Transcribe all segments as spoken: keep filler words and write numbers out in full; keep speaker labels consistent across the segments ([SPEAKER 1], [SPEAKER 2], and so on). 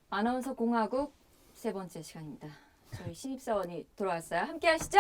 [SPEAKER 1] 아나운서 공화국 세 번째 시간입니다. 저희 신입사원이 돌아왔어요. 함께 하시죠.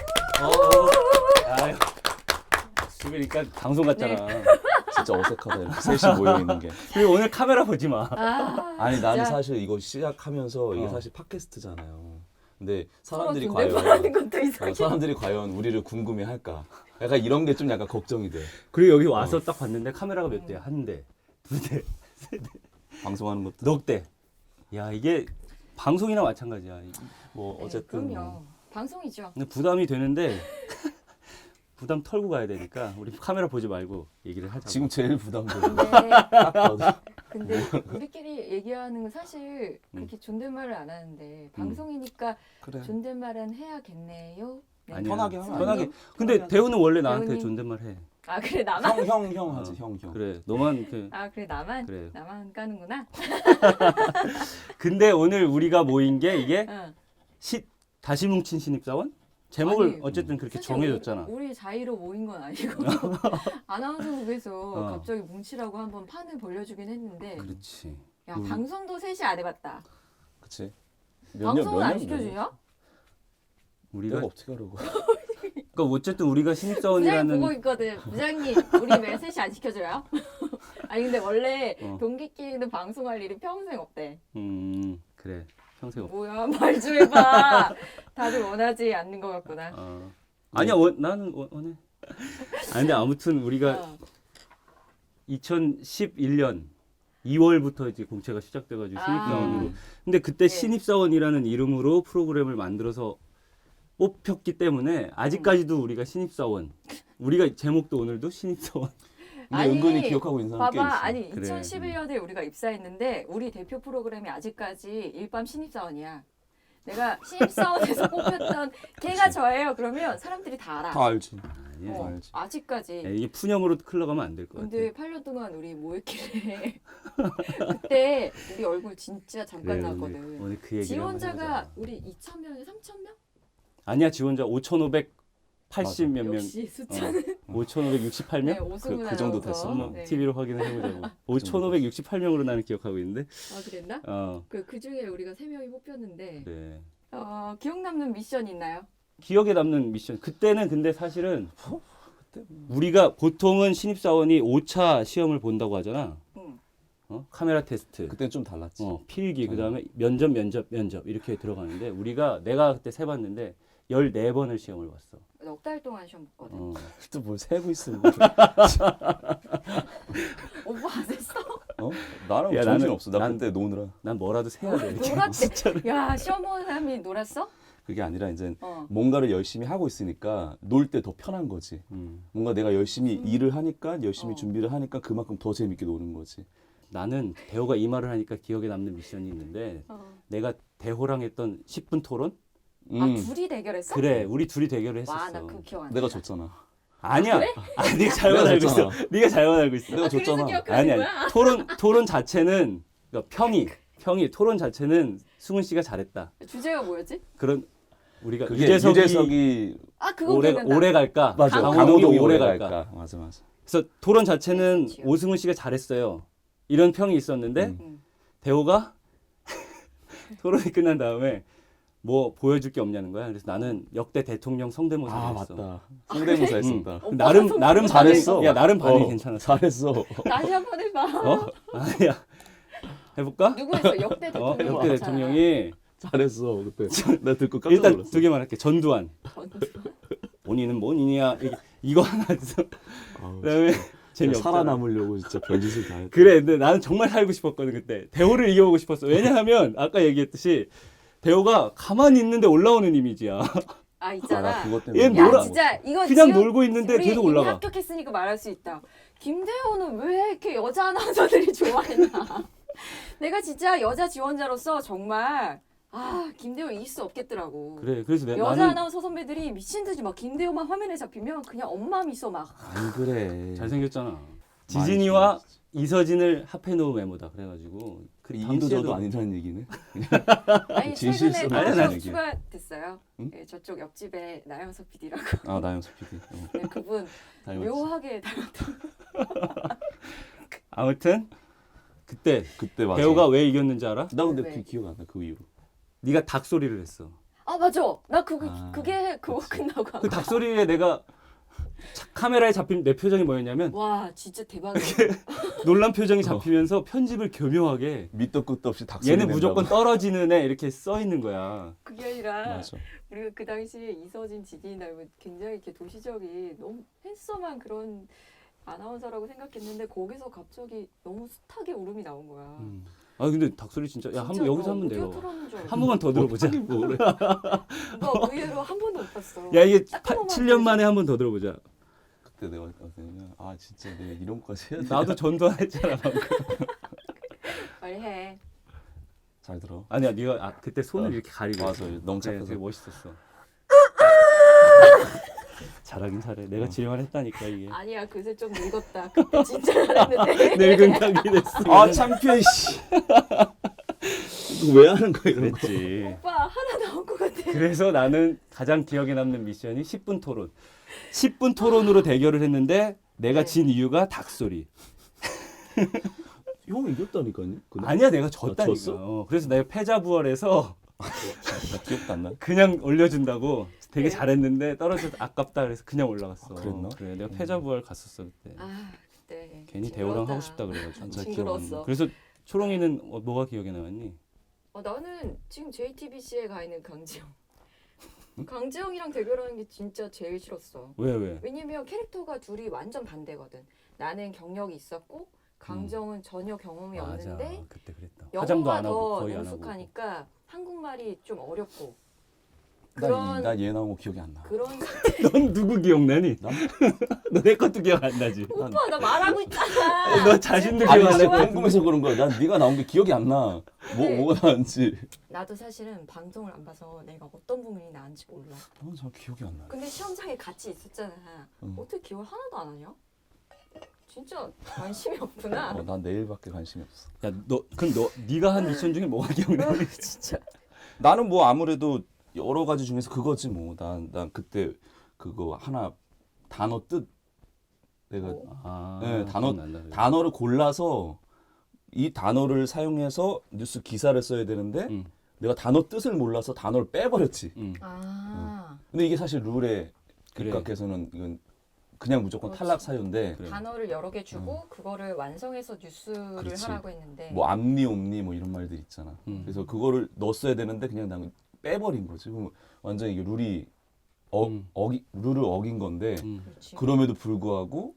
[SPEAKER 2] 아유, 지금이니까 방송 같잖아.
[SPEAKER 1] 네.
[SPEAKER 3] 진짜 어색하다. 셋이 모여 있는 게.
[SPEAKER 2] 그리고 오늘 카메라 보지 마.
[SPEAKER 1] 아,
[SPEAKER 3] 아니 나는
[SPEAKER 1] 진짜
[SPEAKER 3] 사실 이거 시작하면서 이게
[SPEAKER 2] 어.
[SPEAKER 3] 사실 팟캐스트잖아요. 근데
[SPEAKER 1] 서로
[SPEAKER 3] 사람들이
[SPEAKER 1] 존댓말하는
[SPEAKER 3] 과연
[SPEAKER 1] 것도 이상해.
[SPEAKER 3] 어, 사람들이 과연 우리를 궁금해할까? 약간 이런 게 좀 약간 걱정이 돼.
[SPEAKER 2] 그리고 여기 와서 딱 봤는데 카메라가 몇 대야? 한 대, 두 대,
[SPEAKER 3] 방송하는 것도.
[SPEAKER 2] 넉 대. 야 이게 방송이나 마찬가지야.
[SPEAKER 3] 뭐
[SPEAKER 1] 네,
[SPEAKER 3] 어쨌든
[SPEAKER 1] 그럼요.
[SPEAKER 3] 뭐.
[SPEAKER 1] 방송이죠.
[SPEAKER 2] 근데 부담이 되는데 부담 털고 가야 되니까 우리 카메라 보지 말고 얘기를 하자.
[SPEAKER 3] 지금 제일 부담돼.
[SPEAKER 1] 근데,
[SPEAKER 3] 딱 봐도.
[SPEAKER 1] 근데 우리끼리 얘기하는 건 사실 그렇게 존댓말을 안 하는데 방송이니까
[SPEAKER 3] 그래.
[SPEAKER 1] 존댓말은 해야겠네요. 네.
[SPEAKER 2] 아니야.
[SPEAKER 3] 편하게 하면 안
[SPEAKER 2] 편하게.
[SPEAKER 3] 돼?
[SPEAKER 2] 근데
[SPEAKER 3] 편하게
[SPEAKER 2] 대우는 원래 나한테
[SPEAKER 1] 대우님.
[SPEAKER 2] 존댓말 해.
[SPEAKER 1] 아 그래 나만?
[SPEAKER 3] 형, 형, 형 하지.
[SPEAKER 2] 어,
[SPEAKER 3] 형, 형.
[SPEAKER 2] 그래. 너만 그.
[SPEAKER 1] 아 그래 나만?
[SPEAKER 2] 그래.
[SPEAKER 1] 나만 까는구나.
[SPEAKER 2] 근데 오늘 우리가 모인 게 이게
[SPEAKER 1] 응.
[SPEAKER 2] 시 다시 뭉친 신입사원? 제목을
[SPEAKER 1] 아니,
[SPEAKER 2] 어쨌든 그렇게
[SPEAKER 1] 사실
[SPEAKER 2] 정해줬잖아.
[SPEAKER 1] 우리, 우리 자의로 모인 건 아니고 아나운서국에서
[SPEAKER 2] 어.
[SPEAKER 1] 갑자기 뭉치라고 한번 판을 벌려주긴 했는데
[SPEAKER 2] 그렇지.
[SPEAKER 1] 야
[SPEAKER 2] 우리-
[SPEAKER 1] 방송도 셋이 안 해봤다.
[SPEAKER 3] 그치. 몇 년,
[SPEAKER 1] 방송은
[SPEAKER 3] 몇
[SPEAKER 1] 안
[SPEAKER 3] 년,
[SPEAKER 1] 시켜주냐?
[SPEAKER 2] 우리가
[SPEAKER 3] 내가 어떻게 하려고.
[SPEAKER 2] 그러니까 어쨌든 우리가
[SPEAKER 1] 부장님
[SPEAKER 2] 신입사원이라는
[SPEAKER 1] 보고 있거든. 부장님 우리 왜 셋이 안 시켜줘요? 아니 근데 원래
[SPEAKER 2] 어.
[SPEAKER 1] 동기끼리는 방송할 일이 평생 없대.
[SPEAKER 2] 음 그래 평생 없.
[SPEAKER 1] 뭐야 말 좀 해봐. 다들 원하지 않는 것 같구나.
[SPEAKER 2] 어. 아니야 원, 나는 원, 원해. 아 근데 아무튼 우리가
[SPEAKER 1] 어.
[SPEAKER 2] 이천십일 년 이월부터 이제 공채가 시작돼가지고
[SPEAKER 1] 아.
[SPEAKER 2] 신입사원으로. 근데 그때
[SPEAKER 1] 예.
[SPEAKER 2] 신입사원이라는 이름으로 프로그램을 만들어서 뽑혔기 때문에 아직까지도 우리가 신입사원. 우리가 제목도 오늘도 신입사원.
[SPEAKER 3] 근데
[SPEAKER 1] 아니,
[SPEAKER 3] 은근히 기억하고 있는 사람 꽤 있어.
[SPEAKER 1] 봐봐 아니
[SPEAKER 2] 그래.
[SPEAKER 1] 이천십일 년에 우리가 입사했는데 우리 대표 프로그램이 아직까지 일반 신입사원이야. 내가 신입사원에서 뽑혔던 걔가 저예요. 그러면 사람들이 다 알아.
[SPEAKER 3] 다 알지.
[SPEAKER 2] 아니야.
[SPEAKER 1] 어,
[SPEAKER 3] 알지.
[SPEAKER 1] 아직까지.
[SPEAKER 2] 야, 이게 푸념으로 흘러가면 안 될 것 같아.
[SPEAKER 1] 근데 팔 년 동안 우리 뭐 했길래 그때 우리 얼굴 진짜 잠깐
[SPEAKER 2] 그래,
[SPEAKER 1] 나왔거든.
[SPEAKER 2] 오늘, 오늘 그 얘기를
[SPEAKER 1] 지원자가
[SPEAKER 2] 한번 해보자.
[SPEAKER 1] 우리 이천 명에 삼천 명?
[SPEAKER 2] 아니야 지원자 오천오백팔십 몇 명,
[SPEAKER 1] 역시 숫자는
[SPEAKER 2] 오천오백육십팔 명?
[SPEAKER 1] 네, 오승훈
[SPEAKER 3] 그- 그 정도
[SPEAKER 1] 아나운서.
[SPEAKER 3] 됐어.
[SPEAKER 2] 한번
[SPEAKER 1] 네.
[SPEAKER 2] 티비로 확인을 해보자고. 오천오백육십팔 명으로 나는 기억하고 있는데.
[SPEAKER 1] 아 그랬나?
[SPEAKER 2] 어,
[SPEAKER 1] 그, 그 중에 우리가 세 명이 뽑혔는데
[SPEAKER 2] 그래.
[SPEAKER 1] 어, 기억 남는 미션 있나요?
[SPEAKER 2] 기억에 남는 미션. 그때는 근데 사실은 우리가 보통은 신입사원이 오 차 시험을 본다고 하잖아.
[SPEAKER 1] 응.
[SPEAKER 2] 어? 카메라 테스트,
[SPEAKER 3] 그때는 좀 달랐지.
[SPEAKER 2] 어, 필기, 그다음에 면접, 면접, 면접 이렇게 들어가는데 우리가 내가 그때 세봤는데 열네 번을 시험을 봤어.
[SPEAKER 1] 넉 달 동안 시험 봤거든.
[SPEAKER 2] 어.
[SPEAKER 3] 또 뭘 세고 있어.
[SPEAKER 1] 오빠 안 했어?
[SPEAKER 3] 어? 나랑
[SPEAKER 2] 야,
[SPEAKER 3] 정신
[SPEAKER 2] 나는-
[SPEAKER 3] 없어. 나
[SPEAKER 2] 난-
[SPEAKER 3] 그때 노느라.
[SPEAKER 2] 난 뭐라도 세야 돼. 이렇게.
[SPEAKER 1] 놀았대. 야 시험 보는 사람이 놀았어?
[SPEAKER 3] 그게 아니라 이제
[SPEAKER 1] 어.
[SPEAKER 3] 뭔가를 열심히 하고 있으니까 놀 때 더 편한 거지.
[SPEAKER 2] 음.
[SPEAKER 3] 뭔가 내가 열심히
[SPEAKER 1] 음.
[SPEAKER 3] 일을 하니까 열심히
[SPEAKER 1] 어.
[SPEAKER 3] 준비를 하니까 그만큼 더 재밌게 노는 거지.
[SPEAKER 2] 나는 대호가 이 말을 하니까 기억에 남는 미션이 있는데
[SPEAKER 1] 어.
[SPEAKER 2] 내가 대호랑 했던 십 분 토론?
[SPEAKER 1] 아
[SPEAKER 3] 음,
[SPEAKER 1] 둘이 대결했어?
[SPEAKER 2] 그래, 우리 둘이 대결을 했었어.
[SPEAKER 1] 와 나 그거 기억 안 나.
[SPEAKER 3] 내가 졌잖아.
[SPEAKER 2] 아니야. 아, 네가 잘못
[SPEAKER 3] 내가
[SPEAKER 2] 알고 있어.
[SPEAKER 3] 졌잖아.
[SPEAKER 2] 네가 잘못 알고 있어.
[SPEAKER 3] 내가
[SPEAKER 1] 아, 그래서
[SPEAKER 3] 졌잖아.
[SPEAKER 1] 기억하는
[SPEAKER 2] 아니
[SPEAKER 1] 거야?
[SPEAKER 2] 아니. 토론 토론 자체는 그러니까 평이 평이 토론 자체는 승훈 씨가 잘했다.
[SPEAKER 1] 주제가 뭐였지?
[SPEAKER 2] 그런 우리가
[SPEAKER 3] 그게
[SPEAKER 2] 유재석이,
[SPEAKER 3] 유재석이
[SPEAKER 1] 아 그거
[SPEAKER 2] 오래
[SPEAKER 1] 기억난다.
[SPEAKER 2] 오래 갈까?
[SPEAKER 3] 맞아.
[SPEAKER 2] 강호동이
[SPEAKER 3] 강호동이
[SPEAKER 2] 오래
[SPEAKER 3] 오래
[SPEAKER 2] 갈까?
[SPEAKER 3] 갈까? 맞아 맞아.
[SPEAKER 2] 그래서 토론 자체는
[SPEAKER 1] 그렇지요.
[SPEAKER 2] 오승훈 씨가 잘했어요. 이런 평이 있었는데
[SPEAKER 3] 음.
[SPEAKER 1] 응.
[SPEAKER 2] 대호가 토론이 끝난 다음에 뭐 보여줄 게 없냐는 거야. 그래서 나는 역대 대통령 성대모사를
[SPEAKER 3] 아
[SPEAKER 2] 했어.
[SPEAKER 3] 맞다. 성대모사
[SPEAKER 2] 응.
[SPEAKER 3] 했었다.
[SPEAKER 1] 오빠가
[SPEAKER 2] 나름
[SPEAKER 1] 성대모사
[SPEAKER 2] 나름
[SPEAKER 3] 잘했어.
[SPEAKER 2] 반응이- 야 나름 반응이
[SPEAKER 3] 어,
[SPEAKER 2] 괜찮았어.
[SPEAKER 3] 잘했어.
[SPEAKER 1] 다시 한 번 해봐.
[SPEAKER 2] 어? 아니야. 해볼까?
[SPEAKER 1] 누구 했어? 역대
[SPEAKER 2] 어,
[SPEAKER 1] 대통령.
[SPEAKER 2] 역대
[SPEAKER 1] 있잖아.
[SPEAKER 2] 대통령이
[SPEAKER 3] 잘했어 그때. 나 듣고 깜짝
[SPEAKER 2] 일단
[SPEAKER 3] 놀랐어.
[SPEAKER 2] 두 개만 할게. 전두환.
[SPEAKER 1] 전두.
[SPEAKER 2] 본인은 뭔이냐 이게- 이거 하나 있어.
[SPEAKER 3] 아우,
[SPEAKER 2] 그다음에
[SPEAKER 3] 진짜
[SPEAKER 2] 재미없잖아.
[SPEAKER 3] 살아남으려고 진짜 별짓을 다 했다.
[SPEAKER 2] 그래, 근데 나는 정말 살고 싶었거든 그때. 대호를 이겨보고 싶었어. 왜냐하면 아까 얘기했듯이 대호가 가만히 있는데 올라오는 이미지야.
[SPEAKER 1] 아
[SPEAKER 3] 아,
[SPEAKER 1] 있잖아.
[SPEAKER 3] 나 그것 때문에
[SPEAKER 2] 얘
[SPEAKER 1] 야
[SPEAKER 2] 놀아-
[SPEAKER 1] 진짜 이거
[SPEAKER 2] 그냥
[SPEAKER 1] 지금
[SPEAKER 2] 놀고 있는데
[SPEAKER 1] 우리
[SPEAKER 2] 계속
[SPEAKER 1] 이미
[SPEAKER 2] 올라가.
[SPEAKER 1] 합격했으니까 말할 수 있다. 김대호는 왜 이렇게 여자 아나운서들이 좋아했나? 내가 진짜 여자 지원자로서 정말 아 김대호 이길 수 없겠더라고.
[SPEAKER 2] 그래, 그래서 내,
[SPEAKER 1] 여자
[SPEAKER 2] 나는
[SPEAKER 1] 아나운서 선배들이 미친 듯이 막 김대호만 화면에 잡히면 그냥 엄마미 있어 막.
[SPEAKER 3] 안 그래.
[SPEAKER 2] 잘생겼잖아. 지진이와
[SPEAKER 3] 많이
[SPEAKER 2] 이서진을 합해놓은 외모다. 그래가지고 그
[SPEAKER 3] 이인도
[SPEAKER 2] 당시에도-
[SPEAKER 3] 저도 아니라는 얘기네.
[SPEAKER 1] 아니
[SPEAKER 3] 진실성
[SPEAKER 1] 최근에
[SPEAKER 2] 아니야,
[SPEAKER 1] 또
[SPEAKER 2] 나는
[SPEAKER 1] 추가됐어요.
[SPEAKER 3] 응?
[SPEAKER 1] 예, 저쪽 옆집에 나영석 피디라고.
[SPEAKER 3] 아 나영석 피디. 어,
[SPEAKER 1] 네, 그분
[SPEAKER 3] 닮았지.
[SPEAKER 1] 묘하게 닮았던.
[SPEAKER 2] 아무튼 그때
[SPEAKER 3] 그때 맞아.
[SPEAKER 2] 대호가 왜 이겼는지 알아?
[SPEAKER 3] 나 근데
[SPEAKER 1] 왜?
[SPEAKER 3] 그 기억 안 나. 그 이후로.
[SPEAKER 2] 네가 닭소리를 했어.
[SPEAKER 1] 아 맞아. 나 그거
[SPEAKER 3] 아,
[SPEAKER 1] 그게 그거
[SPEAKER 3] 그치.
[SPEAKER 1] 끝나고 한
[SPEAKER 2] 그
[SPEAKER 1] 거야.
[SPEAKER 2] 닭소리에 내가 차- 카메라에 잡힌 내 표정이 뭐였냐면
[SPEAKER 1] 와 진짜 대박이야.
[SPEAKER 2] 놀란 표정이 잡히면서 편집을 교묘하게
[SPEAKER 3] 밑도 끝도 없이 닭소리
[SPEAKER 2] 얘는
[SPEAKER 3] 낸다고.
[SPEAKER 2] 무조건 떨어지는 애 이렇게 써 있는 거야.
[SPEAKER 1] 그게 아니라
[SPEAKER 3] 맞아.
[SPEAKER 1] 우리가 그 당시에 이서진 지디나 이런 굉장히 이렇게 도시적인 너무 핸섬한 그런 아나운서라고 생각했는데 거기서 갑자기 너무 숱하게 울음이 나온 거야.
[SPEAKER 2] 음. 아 근데 닭소리 진짜 야 한번 여기서 한번 내가 한 번만 더 들어보자.
[SPEAKER 3] 뭐래?
[SPEAKER 1] 나 의외로 한 번도 못 봤어.
[SPEAKER 2] 야 이게
[SPEAKER 1] 딱 한 번만
[SPEAKER 2] 칠 년 만에 한 번 더 들어보자.
[SPEAKER 3] 그때 내가 어떠냐면 아 진짜 내가 이런 거까지 해야 돼.
[SPEAKER 2] 나도 전도했잖아 방금.
[SPEAKER 1] 빨리 해.
[SPEAKER 3] 잘 들어.
[SPEAKER 2] 아니야 네가 아, 그때 손을
[SPEAKER 3] 어.
[SPEAKER 2] 이렇게 가리고
[SPEAKER 3] 맞아.
[SPEAKER 2] 있어.
[SPEAKER 3] 너무
[SPEAKER 2] 그래,
[SPEAKER 3] 착해서.
[SPEAKER 2] 되게 멋있었어. 잘하긴 잘해. 내가
[SPEAKER 3] 어.
[SPEAKER 2] 지령을 했다니까 이게.
[SPEAKER 1] 아니야 그새 좀 늙었다. 그때 진짜 잘했는데.
[SPEAKER 2] 늙은 닭이 됐어.
[SPEAKER 3] 아 창피해 씨. 이거 왜 하는 거야 이런 거?
[SPEAKER 2] 그랬지.
[SPEAKER 1] 오빠 하나 나온 것 같아.
[SPEAKER 2] 그래서 나는 가장 기억에 남는 미션이 십 분 토론. 십 분 토론으로 대결을 했는데 내가
[SPEAKER 1] 네.
[SPEAKER 2] 진 이유가 닭소리.
[SPEAKER 3] 형 이겼다니까요. 그날?
[SPEAKER 2] 아니야 내가 졌다니까.
[SPEAKER 3] 졌어?
[SPEAKER 2] 어, 그래서 내가 패자부활해서
[SPEAKER 3] 나 기억도 안 나.
[SPEAKER 2] 그냥 올려준다고 되게
[SPEAKER 1] 네.
[SPEAKER 2] 잘했는데 떨어져서 아깝다 그래서 그냥 올라갔어.
[SPEAKER 3] 아, 그랬나?
[SPEAKER 2] 그래 내가
[SPEAKER 3] 음.
[SPEAKER 2] 패자부활 갔었어 그때.
[SPEAKER 1] 아 그때.
[SPEAKER 2] 괜히
[SPEAKER 1] 징그럽다.
[SPEAKER 2] 대호랑 하고 싶다 그래가지고.
[SPEAKER 3] 잘
[SPEAKER 1] 징그러웠어.
[SPEAKER 2] 그래서 초롱이는 어, 뭐가 기억에 남았니?
[SPEAKER 1] 어, 나는 지금 제이티비씨에 가 있는 강지영. 강지영이랑 대결하는 게 진짜 제일 싫었어.
[SPEAKER 2] 왜 왜?
[SPEAKER 1] 왜냐면 캐릭터가 둘이 완전 반대거든. 나는 경력이 있었고 강정은 전혀 경험이
[SPEAKER 2] 맞아
[SPEAKER 1] 없는데
[SPEAKER 2] 그때 그랬다. 화장도
[SPEAKER 1] 영어가
[SPEAKER 2] 안 하고
[SPEAKER 1] 더
[SPEAKER 2] 거의 안 하고.
[SPEAKER 1] 능숙하니까 한국말이 좀 어렵고
[SPEAKER 3] 나얘
[SPEAKER 1] 그런
[SPEAKER 3] 나온 거 기억이 안 나.
[SPEAKER 1] 그런
[SPEAKER 2] 넌 누구 기억나니?
[SPEAKER 3] 나?
[SPEAKER 2] 너 내 것도 기억 안 나지?
[SPEAKER 1] 오빠 나 말하고 있잖아.
[SPEAKER 2] 너 자신도
[SPEAKER 3] 아니
[SPEAKER 2] 기억 안
[SPEAKER 3] 진짜
[SPEAKER 2] 나.
[SPEAKER 3] 궁금해서 그런 거야. 난 네가 나온 게 기억이 안 나. 뭐
[SPEAKER 1] 네.
[SPEAKER 3] 뭐가 나왔는지.
[SPEAKER 1] 나도 사실은 방송을 안 봐서 내가 어떤 부분이 나은지 몰라.
[SPEAKER 3] 난 잘 기억이 안 나.
[SPEAKER 1] 근데 시험장에 같이 있었잖아.
[SPEAKER 3] 응.
[SPEAKER 1] 어떻게 기억을 하나도 안 하냐? 진짜 관심이 없구나.
[SPEAKER 3] 어, 난 내일밖에 관심이 없어.
[SPEAKER 2] 야, 너 그럼 너 네가 한 미션 중에 뭐가 기억나니?
[SPEAKER 1] 진짜.
[SPEAKER 3] 나는 뭐 아무래도 여러 가지 중에서 그거지 뭐. 난 난 그때 그거 하나 단어 뜻 내가
[SPEAKER 1] 어.
[SPEAKER 2] 아,
[SPEAKER 3] 네, 단어-
[SPEAKER 2] 기억난다, 그래.
[SPEAKER 3] 단어를 골라서 이 단어를 사용해서 뉴스 기사를 써야 되는데
[SPEAKER 2] 응,
[SPEAKER 3] 내가 단어 뜻을 몰라서 단어를 빼버렸지.
[SPEAKER 2] 응.
[SPEAKER 1] 아
[SPEAKER 3] 근데 이게 사실 룰에
[SPEAKER 2] 그래.
[SPEAKER 3] 입각해서는 이건 그냥 무조건
[SPEAKER 1] 그렇지.
[SPEAKER 3] 탈락 사유인데
[SPEAKER 2] 그래.
[SPEAKER 1] 단어를 여러 개 주고 그거를 완성해서 뉴스를
[SPEAKER 3] 그렇지.
[SPEAKER 1] 하라고 했는데
[SPEAKER 3] 뭐 암니 옴니 뭐 이런 말들 있잖아.
[SPEAKER 2] 음.
[SPEAKER 3] 그래서 그거를 넣었어야 되는데 그냥 난 빼버린 거지. 그럼 완전 이게 룰이 어,
[SPEAKER 2] 음.
[SPEAKER 3] 어기 룰을 어긴 건데
[SPEAKER 2] 응.
[SPEAKER 1] 그렇지.
[SPEAKER 3] 그럼에도 불구하고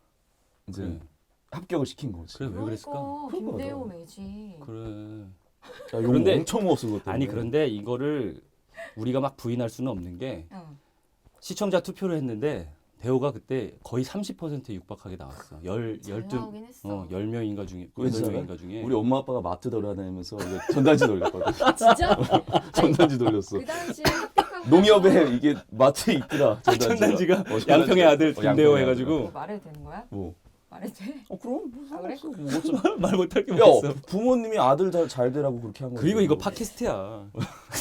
[SPEAKER 3] 이제
[SPEAKER 2] 그래.
[SPEAKER 3] 합격을 시킨 거지.
[SPEAKER 2] 그래 왜 그랬을까?
[SPEAKER 1] 그러니까
[SPEAKER 3] 그런
[SPEAKER 1] 김대호
[SPEAKER 3] 거다.
[SPEAKER 1] 매지.
[SPEAKER 2] 그래.
[SPEAKER 3] 야, 욕
[SPEAKER 2] 그런데-
[SPEAKER 3] 엄청 먹었어 그것 때문에.
[SPEAKER 2] 아니 그런데 이거를 우리가 막 부인할 수는 없는 게
[SPEAKER 1] 응.
[SPEAKER 2] 시청자 투표를 했는데 대호가 그때 거의 삼십 퍼센트에 육박하게 나왔어. 열
[SPEAKER 1] 잘
[SPEAKER 2] 열두
[SPEAKER 1] 나오긴 했어.
[SPEAKER 2] 어, 열 명인가 중에
[SPEAKER 3] 왜
[SPEAKER 2] 여덟
[SPEAKER 3] 진짜요?
[SPEAKER 2] 명인가 중에
[SPEAKER 3] 우리 엄마 아빠가 마트 돌아다니면서 이거 전단지 돌렸거든.
[SPEAKER 1] 아 진짜?
[SPEAKER 3] 전단지 돌렸어.
[SPEAKER 1] 그 당시에 합격하고
[SPEAKER 3] 농협에 이게 마트에 있더라. 전단지가,
[SPEAKER 2] 전단지가
[SPEAKER 3] 어, 전단지가.
[SPEAKER 2] 양평의 아들
[SPEAKER 3] 어,
[SPEAKER 2] 김대호
[SPEAKER 3] 양평의
[SPEAKER 2] 해가지고
[SPEAKER 1] 뭐 말해도 되는 거야?
[SPEAKER 3] 뭐?
[SPEAKER 1] 말해도 돼?
[SPEAKER 3] 어 그럼 뭐
[SPEAKER 1] 아, 그래?
[SPEAKER 3] 상관없어. 뭐 어쩌-
[SPEAKER 2] 말 못할 게
[SPEAKER 3] 야
[SPEAKER 2] 뭐있어.
[SPEAKER 3] 부모님이 아들 잘, 잘 되라고 그렇게 한 거야.
[SPEAKER 2] 그리고 이거 팟캐스트야.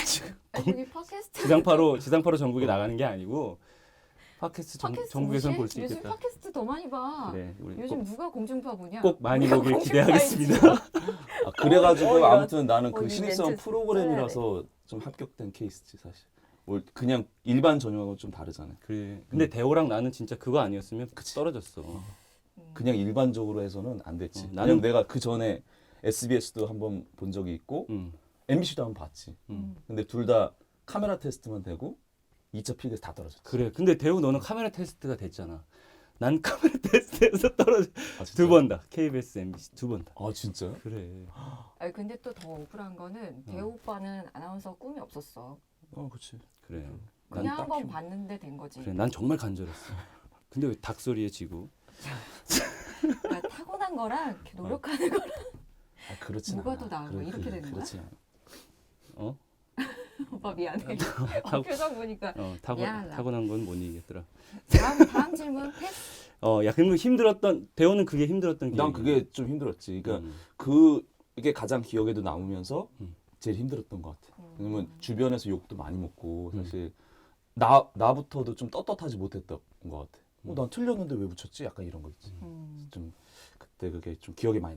[SPEAKER 1] 아니 여기 팟캐스트.
[SPEAKER 2] 지상파로 지상파로 전국에 나가는 게 아니고 팟캐스트 전,
[SPEAKER 1] 팟캐스트
[SPEAKER 2] 전국에선
[SPEAKER 1] 뭐지?
[SPEAKER 2] 볼 수
[SPEAKER 1] 요즘
[SPEAKER 2] 있겠다.
[SPEAKER 1] 팟캐스트 더 많이 봐.
[SPEAKER 2] 그래 우리
[SPEAKER 1] 요즘
[SPEAKER 2] 꼭,
[SPEAKER 1] 누가 공중파 보냐?
[SPEAKER 2] 꼭 많이
[SPEAKER 1] 우리가
[SPEAKER 2] 보길
[SPEAKER 1] 공중파이지.
[SPEAKER 2] 기대하겠습니다.
[SPEAKER 3] 아, 그래가지고
[SPEAKER 1] 어, 어, 이런-
[SPEAKER 3] 아무튼 나는
[SPEAKER 1] 어,
[SPEAKER 3] 그
[SPEAKER 1] 이
[SPEAKER 3] 신입사원
[SPEAKER 1] 멘트
[SPEAKER 3] 프로그램이라서 좀 합격된 케이스지 사실. 뭐 그냥 일반 전형하고 좀 다르잖아요.
[SPEAKER 2] 그래. 근데 대호랑 나는 진짜 그거 아니었으면 떨어졌어.
[SPEAKER 1] 음.
[SPEAKER 3] 그냥 일반적으로 해서는 안 됐지.
[SPEAKER 2] 어,
[SPEAKER 3] 나는
[SPEAKER 2] 나는-
[SPEAKER 3] 내가 그 전에 에스비에스도 한번 본 적이 있고
[SPEAKER 2] 응.
[SPEAKER 3] 엠비씨도 한번 봤지.
[SPEAKER 2] 응.
[SPEAKER 3] 근데 둘 다 카메라 테스트만 되고 이 차 필기에서 다 떨어졌지.
[SPEAKER 2] 그래. 근데 대호 너는 카메라 테스트가 됐잖아. 난 카메라 테스트에서 떨어져
[SPEAKER 3] 아, 진짜?
[SPEAKER 2] 두 번 다. 케이비에스, 엠비씨 두 번 다.
[SPEAKER 3] 아 진짜?
[SPEAKER 2] 그래.
[SPEAKER 1] 아니 근데 또 더 억울한 거는 대호 오빠는 아나운서 꿈이 없었어.
[SPEAKER 3] 어 그렇지.
[SPEAKER 2] 그래. 난
[SPEAKER 1] 그냥 한번
[SPEAKER 3] 딱히-
[SPEAKER 1] 봤는데 된 거지.
[SPEAKER 2] 그래. 난 정말 간절했어. 근데 왜 닭소리에 지고?
[SPEAKER 1] 그러니까 타고난 거랑 이렇게 노력하는 거랑
[SPEAKER 3] 아 그렇지.
[SPEAKER 1] 뭐가 더 나은 거야? 이렇게 되는 거야?
[SPEAKER 3] 그렇지. 않아.
[SPEAKER 2] 어?
[SPEAKER 1] 오빠 미안해. 어,
[SPEAKER 2] 타고-
[SPEAKER 1] 표정 보니까
[SPEAKER 2] 어, 타고
[SPEAKER 1] 미안하다.
[SPEAKER 2] 타고난 건 못 이기겠더라.
[SPEAKER 1] 다음 다음 질문 패스.
[SPEAKER 2] 어, 야, 그러면 힘들었던 대호는 그게 힘들었던 게.
[SPEAKER 3] 난 그게 좀 힘들었지. 그러니까
[SPEAKER 2] 음.
[SPEAKER 3] 그 이게 가장 기억에도 남으면서
[SPEAKER 2] 음.
[SPEAKER 3] 제일 힘들었던 것 같아.
[SPEAKER 1] 음.
[SPEAKER 3] 왜냐면 주변에서 욕도 많이 먹고
[SPEAKER 2] 음.
[SPEAKER 3] 사실 나 나부터도 좀 떳떳하지 못했던 것 같아. 어,
[SPEAKER 2] 음.
[SPEAKER 3] 난 틀렸는데 왜 붙였지? 약간 이런 거 있지.
[SPEAKER 1] 음.
[SPEAKER 3] 좀 그때 그게 좀 기억에 많이 남아.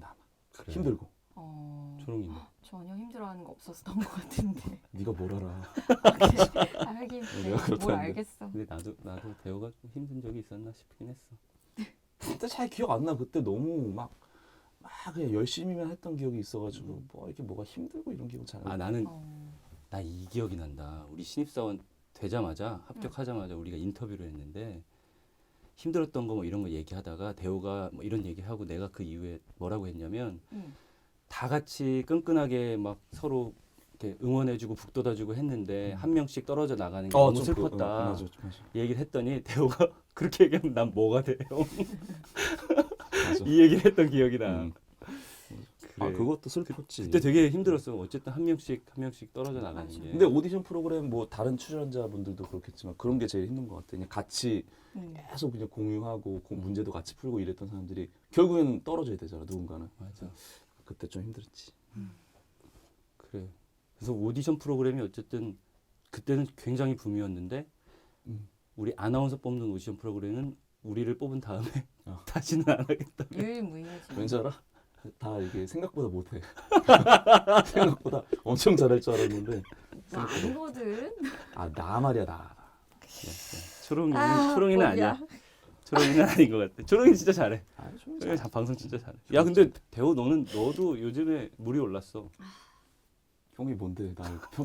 [SPEAKER 2] 그래.
[SPEAKER 3] 힘들고.
[SPEAKER 1] 어,
[SPEAKER 2] 초롱이는.
[SPEAKER 1] 전혀 힘들어하는 거 없었던 것 같은데.
[SPEAKER 3] 네가 뭘 알아?
[SPEAKER 1] 그래. 알긴
[SPEAKER 3] 내가
[SPEAKER 1] 네, 뭘
[SPEAKER 3] 그렇다는데.
[SPEAKER 1] 알겠어.
[SPEAKER 2] 근데 나도 나도 대호가 좀 힘든 적이 있었나 싶긴 했어.
[SPEAKER 3] 그때 잘 기억 안 나. 그때 너무 막, 막 그냥 열심히만 했던 기억이 있어가지고
[SPEAKER 2] 음.
[SPEAKER 3] 뭐 이렇게 뭐가 힘들고 이런 기억 잘 안
[SPEAKER 2] 아
[SPEAKER 3] 나.
[SPEAKER 2] 나는
[SPEAKER 1] 어,
[SPEAKER 2] 나 이 기억이 난다. 우리 신입사원 되자마자 합격하자마자 우리가 인터뷰를 했는데 힘들었던 거 뭐 이런 거 얘기하다가 대호가 뭐 이런 얘기하고 내가 그 이후에 뭐라고 했냐면
[SPEAKER 1] 음.
[SPEAKER 2] 다 같이 끈끈하게 막 서로 이렇게 응원해주고 북돋아주고 했는데 한 명씩 떨어져 나가는 게 너무
[SPEAKER 3] 좀
[SPEAKER 2] 슬펐다.
[SPEAKER 3] 그, 어, 맞아, 맞아.
[SPEAKER 2] 얘기를 했더니 대호가 그렇게 얘기하면 난 뭐가 돼요?
[SPEAKER 3] 맞아.
[SPEAKER 2] 이 얘기를 했던 기억이 나.
[SPEAKER 3] 음.
[SPEAKER 2] 그래.
[SPEAKER 3] 아 그것도 슬펐지.
[SPEAKER 2] 그때 되게 힘들었어. 어쨌든 한 명씩 한 명씩 떨어져 나가는
[SPEAKER 1] 맞아.
[SPEAKER 2] 게.
[SPEAKER 3] 근데 오디션 프로그램 뭐 다른 출연자분들도 그렇겠지만 그런 게 제일 힘든 것 같아. 그냥 같이
[SPEAKER 1] 음.
[SPEAKER 3] 계속 그냥 공유하고 고- 문제도 같이 풀고 이랬던 사람들이 결국에는 떨어져야 되잖아. 누군가는.
[SPEAKER 2] 맞아.
[SPEAKER 3] 그때 좀 힘들었지.
[SPEAKER 2] 그래. 그래서 오디션 프로그램이 어쨌든 그때는 굉장히 붐이었는데
[SPEAKER 3] 음.
[SPEAKER 2] 우리 아나운서 뽑는 오디션 프로그램은 우리를 뽑은 다음에
[SPEAKER 3] 어.
[SPEAKER 2] 다시는 안 하겠다.
[SPEAKER 1] 유일무이하지.
[SPEAKER 3] 왠지 알아? 다 이게 생각보다 못해. 생각보다 엄청 잘할 줄 알았는데.
[SPEAKER 1] 나 아니거든.
[SPEAKER 3] 아 나 말이야 나.
[SPEAKER 2] 초롱이는
[SPEAKER 1] 아,
[SPEAKER 2] 초롱이는
[SPEAKER 1] 뭐야.
[SPEAKER 2] 아니야. 초롱이는 아닌 것 같아. 초롱이 진짜 잘해.
[SPEAKER 3] 아, 좀
[SPEAKER 2] 초롱이 자- 방송 진짜 잘해. 야 근데 대호 너는 너도 요즘에 물이 올랐어.
[SPEAKER 3] 형이 뭔데 나 평.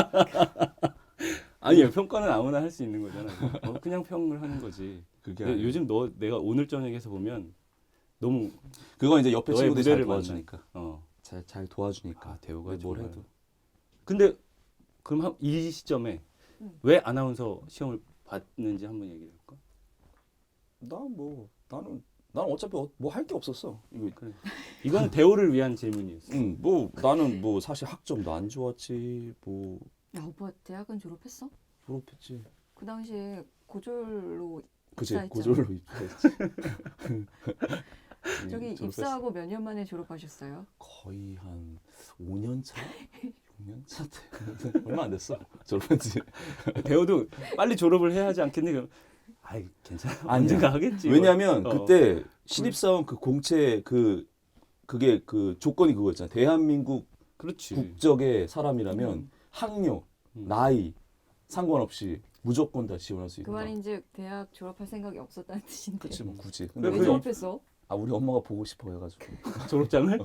[SPEAKER 2] 아니야 평가는 아무나 할 수 있는 거잖아. 어, 그냥 평을 하는 거지.
[SPEAKER 3] 그게
[SPEAKER 2] 근데
[SPEAKER 3] 아니야.
[SPEAKER 2] 요즘 너 내가 오늘 저녁에서 보면 너무
[SPEAKER 3] 그건 이제 옆에
[SPEAKER 2] 너의
[SPEAKER 3] 친구들이 잘
[SPEAKER 2] 무대를
[SPEAKER 3] 도와주니까.
[SPEAKER 2] 어.
[SPEAKER 3] 잘 잘 도와주니까.
[SPEAKER 2] 아 대호가
[SPEAKER 3] 뭘
[SPEAKER 2] 정말.
[SPEAKER 3] 해도.
[SPEAKER 2] 근데 그럼 한- 이 시점에
[SPEAKER 1] 음.
[SPEAKER 2] 왜 아나운서 시험을 봤는지 한번 얘기해 볼까?
[SPEAKER 3] 나뭐 나는 나는 어차피 뭐 할 게 없었어. 이거
[SPEAKER 2] 그래. 이건 대호를 위한 질문이었어.
[SPEAKER 3] 응, 뭐 나는 뭐 사실 학점도 안 좋았지. 뭐
[SPEAKER 1] 야 오빠 대학은 졸업했어?
[SPEAKER 3] 졸업했지.
[SPEAKER 1] 그 당시에 고졸로
[SPEAKER 3] 그치
[SPEAKER 1] 입사했잖아.
[SPEAKER 3] 고졸로 입사했지.
[SPEAKER 1] 저기
[SPEAKER 3] 예, 졸업했어.
[SPEAKER 1] 입사하고 몇 년 만에 졸업하셨어요?
[SPEAKER 3] 거의 한 오 년 차, 육 년 차 때 얼마 안 됐어. 졸업했지.
[SPEAKER 2] 대호도 빨리 졸업을 해야 하지 않겠니? 그럼 아이 괜찮아.
[SPEAKER 3] 아니야.
[SPEAKER 2] 언젠가 하겠지.
[SPEAKER 3] 왜냐면
[SPEAKER 2] 어.
[SPEAKER 3] 그때 신입사원 그 공채 그 그게 그 조건이 그거였잖아. 대한민국
[SPEAKER 2] 그렇지.
[SPEAKER 3] 국적의 사람이라면
[SPEAKER 1] 음.
[SPEAKER 3] 학력,
[SPEAKER 2] 음.
[SPEAKER 3] 나이 상관없이 무조건 다 지원할 수
[SPEAKER 1] 그
[SPEAKER 3] 있다.
[SPEAKER 1] 말이 이제 대학 졸업할 생각이 없었다는 뜻인데.
[SPEAKER 3] 그렇지 뭐 굳이.
[SPEAKER 2] 근데
[SPEAKER 1] 왜
[SPEAKER 2] 그-
[SPEAKER 1] 졸업했어?
[SPEAKER 3] 아 우리 엄마가 보고 싶어 해가지고
[SPEAKER 2] 졸업장을?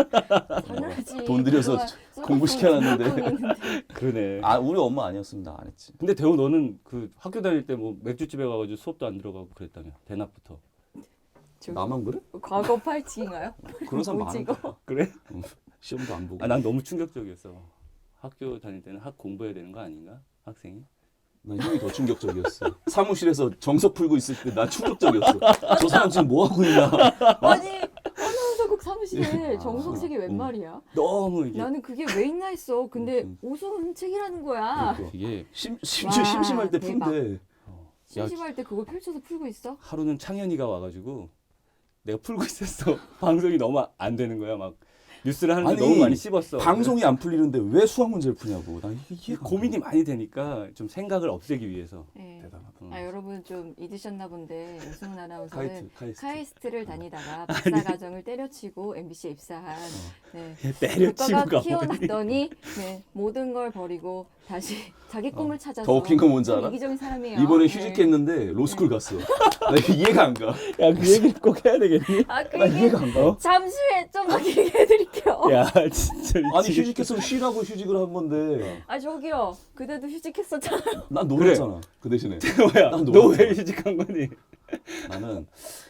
[SPEAKER 1] 당연하지.
[SPEAKER 3] 돈 들여서
[SPEAKER 1] 그동안
[SPEAKER 3] 공부시켜놨는데.
[SPEAKER 1] 쏟았던 돈이 있는데.
[SPEAKER 2] 그러네.
[SPEAKER 3] 아 우리 엄마 아니었으면 나 안 했지.
[SPEAKER 2] 근데 대호 너는 그 학교 다닐 때 뭐 맥주집에 가가지고 수업도 안 들어가고 그랬다며 대낮부터.
[SPEAKER 1] 저기
[SPEAKER 3] 나만 그래?
[SPEAKER 1] 과거 팔찌인가요?
[SPEAKER 3] 그런 사람
[SPEAKER 1] 뭐지,
[SPEAKER 3] 많은데.
[SPEAKER 1] 이거?
[SPEAKER 2] 그래?
[SPEAKER 3] 시험도 안 보고.
[SPEAKER 2] 아 난 너무 충격적이었어. 학교 다닐 때는 학 공부해야 되는 거 아닌가? 학생이?
[SPEAKER 3] 난 형이 더 충격적이었어. 사무실에서 정석 풀고 있을 때 난 충격적이었어. 저 사람 지금 뭐 하고 있나?
[SPEAKER 1] 아니 아나운서국 사무실에
[SPEAKER 3] 아,
[SPEAKER 1] 정석식이 웬
[SPEAKER 3] 음.
[SPEAKER 1] 말이야?
[SPEAKER 2] 너무 이게
[SPEAKER 1] 나는 그게 왜 있나 했어. 근데
[SPEAKER 3] 음.
[SPEAKER 1] 오소은 책이라는 거야.
[SPEAKER 3] 그러니까.
[SPEAKER 2] 이게
[SPEAKER 3] 심, 심지어
[SPEAKER 1] 와,
[SPEAKER 3] 심심할 때
[SPEAKER 1] 대박.
[SPEAKER 3] 푼대.
[SPEAKER 2] 어, 야,
[SPEAKER 1] 심심할 때 그걸 펼쳐서 풀고 있어?
[SPEAKER 2] 하루는 창현이가 와가지고 내가 풀고 있었어. 방송이 너무 안 되는 거야. 막 뉴스를 하는데
[SPEAKER 3] 아니,
[SPEAKER 2] 너무 많이 씹었어.
[SPEAKER 3] 방송이 안 풀리는데 왜 수학 문제를 푸냐고. 난 이게
[SPEAKER 2] 이게
[SPEAKER 3] 이해가 안
[SPEAKER 2] 고민이 많이 되니까 좀 생각을 없애기 위해서.
[SPEAKER 1] 네.
[SPEAKER 3] 대단하다.
[SPEAKER 2] 어.
[SPEAKER 1] 아 여러분 좀 잊으셨나 본데 오승훈 아나운서는
[SPEAKER 3] 카이스트, 카이스트.
[SPEAKER 1] 카이스트를 다니다가 박사 과정을 때려치고 엠비씨에 입사한 네.
[SPEAKER 2] 때려치고가
[SPEAKER 1] 국가가
[SPEAKER 2] 뭐니?
[SPEAKER 1] 키워놨더니 네, 모든 걸 버리고 다시 자기 꿈을 찾아서
[SPEAKER 3] 더 웃긴 건 뭔지
[SPEAKER 1] 좀
[SPEAKER 3] 알아?
[SPEAKER 1] 이기적인 사람이에요.
[SPEAKER 3] 이번에
[SPEAKER 1] 네.
[SPEAKER 3] 휴직했는데 로스쿨 갔어. 나 이게 이해가 안 가.
[SPEAKER 2] 야, 그 얘기를 꼭 해야 되겠니?
[SPEAKER 1] 아, 그
[SPEAKER 3] 나
[SPEAKER 1] 얘기
[SPEAKER 3] 이해가 안 가.
[SPEAKER 1] 잠시 후에 좀 더 얘기해드릴게요.
[SPEAKER 2] 야, 진짜
[SPEAKER 3] 아니
[SPEAKER 2] 미치겠다.
[SPEAKER 3] 휴직했으면 쉬라고 휴직을 한 건데
[SPEAKER 1] 아 저기요, 그대도 휴직했었잖아요.
[SPEAKER 3] 난 놀았잖아. 그 대신에
[SPEAKER 2] 뭐야?
[SPEAKER 3] 난
[SPEAKER 2] 너
[SPEAKER 3] 놀았잖아.
[SPEAKER 2] 왜 휴직한 거니?
[SPEAKER 3] 나는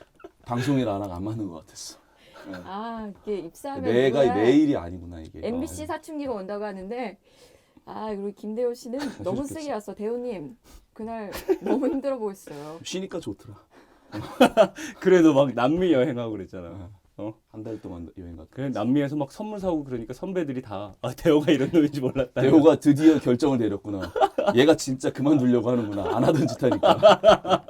[SPEAKER 3] 방송이 나랑 안 맞는 것 같았어.
[SPEAKER 1] 아 이게 입사하면
[SPEAKER 3] 내가
[SPEAKER 1] 누구야?
[SPEAKER 3] 내 일이 아니구나 이게.
[SPEAKER 1] 엠비씨 사춘기가 온다고 하는데 아 그리고 김대호 씨는 너무
[SPEAKER 3] 휴직했어.
[SPEAKER 1] 세게 왔어. 대호님 그날 너무 힘들어 보였어요.
[SPEAKER 3] 쉬니까 좋더라.
[SPEAKER 2] 그래도 막 남미 여행하고 그랬잖아. 어?
[SPEAKER 3] 한 달 동안 여행 갔다.
[SPEAKER 2] 그래 남미에서 막 선물 사오고 그러니까 선배들이 다 아, 대호가 이런 놈인지 몰랐다.
[SPEAKER 3] 대호가 드디어 결정을 내렸구나. 얘가 진짜 그만두려고 하는구나. 안 하던 짓 하니까.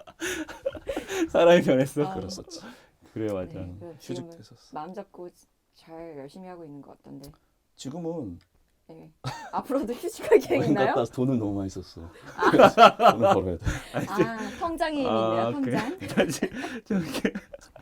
[SPEAKER 2] 사람이 변했어.
[SPEAKER 1] 아.
[SPEAKER 3] 그랬었지.
[SPEAKER 2] 그래 맞아.
[SPEAKER 1] 네, 그 지금은
[SPEAKER 3] 휴직됐었어.
[SPEAKER 1] 마음 잡고 잘 열심히 하고 있는 것 같던데.
[SPEAKER 3] 지금은
[SPEAKER 1] 네. 앞으로도 휴직할 계획
[SPEAKER 3] 여행
[SPEAKER 1] 있나요?
[SPEAKER 3] 갔다 돈을 너무 많이 썼어. 돈을 벌어야 돼.
[SPEAKER 1] 아 통장이 있네요.
[SPEAKER 2] 아,
[SPEAKER 1] 통장.
[SPEAKER 2] 그래. 다시 저렇게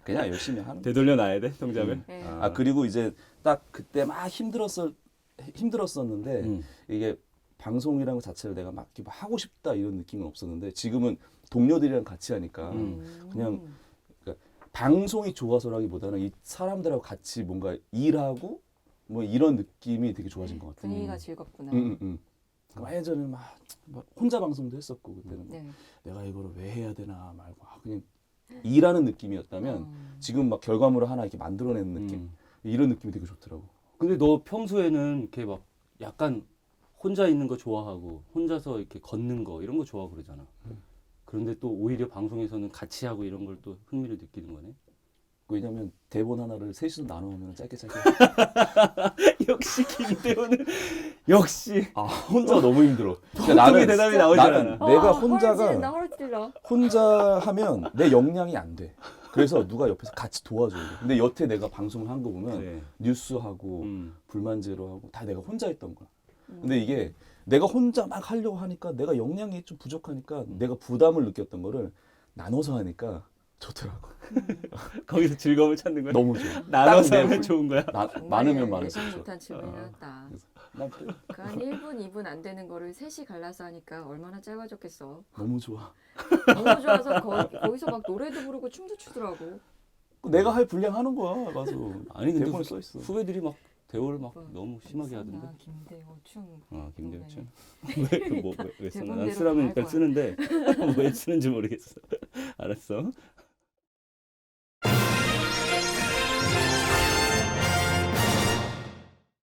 [SPEAKER 3] 그냥 열심히 하는.
[SPEAKER 2] 되돌려 놔야 돼 통장을.
[SPEAKER 3] 음.
[SPEAKER 1] 네.
[SPEAKER 3] 아 그리고 이제 딱 그때 막 힘들었어 힘들었었는데
[SPEAKER 2] 음.
[SPEAKER 3] 이게 방송이라는 것 자체를 내가 막 이렇게 하고 싶다 이런 느낌은 없었는데 지금은 동료들이랑 같이 하니까
[SPEAKER 2] 음.
[SPEAKER 3] 그냥 방송이 좋아서라기보다는 이 사람들하고 같이 뭔가 일하고 뭐 이런 느낌이 되게 좋아진 것 같아요.
[SPEAKER 1] 분위기가
[SPEAKER 2] 음.
[SPEAKER 1] 즐겁구나.
[SPEAKER 3] 응, 응, 응. 그러니까 예전에 막, 막 혼자 방송도 했었고 그때는
[SPEAKER 1] 네.
[SPEAKER 3] 내가 이거를 왜 해야 되나 말고 아, 그냥 일하는 느낌이었다면
[SPEAKER 1] 음.
[SPEAKER 3] 지금 막 결과물을 하나 이렇게 만들어내는 느낌
[SPEAKER 2] 음.
[SPEAKER 3] 이런 느낌이 되게 좋더라고.
[SPEAKER 2] 근데 너 평소에는 이렇게 막 약간 혼자 있는 거 좋아하고 혼자서 이렇게 걷는 거 이런 거 좋아하고 그러잖아.
[SPEAKER 3] 음.
[SPEAKER 2] 그런데 또 오히려 방송에서는 같이 하고 이런 걸 또 흥미를 느끼는 거네.
[SPEAKER 3] 왜냐면 대본 하나를 셋이서 나눠하면 짧게 짧게.
[SPEAKER 2] 역시 김대호는 역시
[SPEAKER 3] 아 혼자 너무 힘들어. 그러니까
[SPEAKER 2] 나는 대답이 나오지
[SPEAKER 3] 나는
[SPEAKER 2] 않아.
[SPEAKER 3] 내가
[SPEAKER 1] 아,
[SPEAKER 3] 혼자가
[SPEAKER 1] 허를 찔러, 허를 찔러.
[SPEAKER 3] 혼자 하면 내 역량이 안 돼. 그래서 누가 옆에서 같이 도와줘야 돼. 근데 여태 내가 방송을 한 거 보면
[SPEAKER 2] 네.
[SPEAKER 3] 뉴스하고
[SPEAKER 2] 음.
[SPEAKER 3] 불만 제로하고 다 내가 혼자 했던 거야.
[SPEAKER 1] 음.
[SPEAKER 3] 근데 이게 내가 혼자 막 하려고 하니까 내가 역량이 좀 부족하니까 내가 부담을 느꼈던 거를 나눠서 하니까 좋더라고.
[SPEAKER 2] 거기서 즐거움을 찾는 거야.
[SPEAKER 3] 너무 좋아.
[SPEAKER 2] 나눠서
[SPEAKER 3] 딱
[SPEAKER 2] 하면
[SPEAKER 3] 내-
[SPEAKER 2] 좋은 거야.
[SPEAKER 3] 나,
[SPEAKER 1] 정말
[SPEAKER 3] 많으면 많을수록
[SPEAKER 1] 예상
[SPEAKER 3] 좋아.
[SPEAKER 1] 못한 질문을
[SPEAKER 2] 어.
[SPEAKER 1] 했다.
[SPEAKER 3] 난 또
[SPEAKER 1] 그한 일 분, 이 분 안 되는 거를 셋이 갈라서 하니까 얼마나 짧아졌겠어.
[SPEAKER 3] 너무 좋아.
[SPEAKER 1] 너무 좋아서 거, 거기서 막 노래도 부르고 춤도 추더라고.
[SPEAKER 3] 내가 할 분량 하는 거야. 가서
[SPEAKER 2] 아니 근데
[SPEAKER 3] 대본에
[SPEAKER 2] 후,
[SPEAKER 3] 써 있어.
[SPEAKER 2] 후배들이 막 대호를 막
[SPEAKER 1] 뭐,
[SPEAKER 2] 너무 심하게
[SPEAKER 1] 써나,
[SPEAKER 2] 하던데.
[SPEAKER 1] 김대호 춤.
[SPEAKER 2] 어 김대호
[SPEAKER 1] 네.
[SPEAKER 2] 춤. 왜뭐왜 쓰나? 난
[SPEAKER 1] 대본대로
[SPEAKER 2] 쓰라면
[SPEAKER 1] 다
[SPEAKER 2] 일단
[SPEAKER 1] 할
[SPEAKER 2] 쓰는데 왜 쓰는지 모르겠어. 알았어.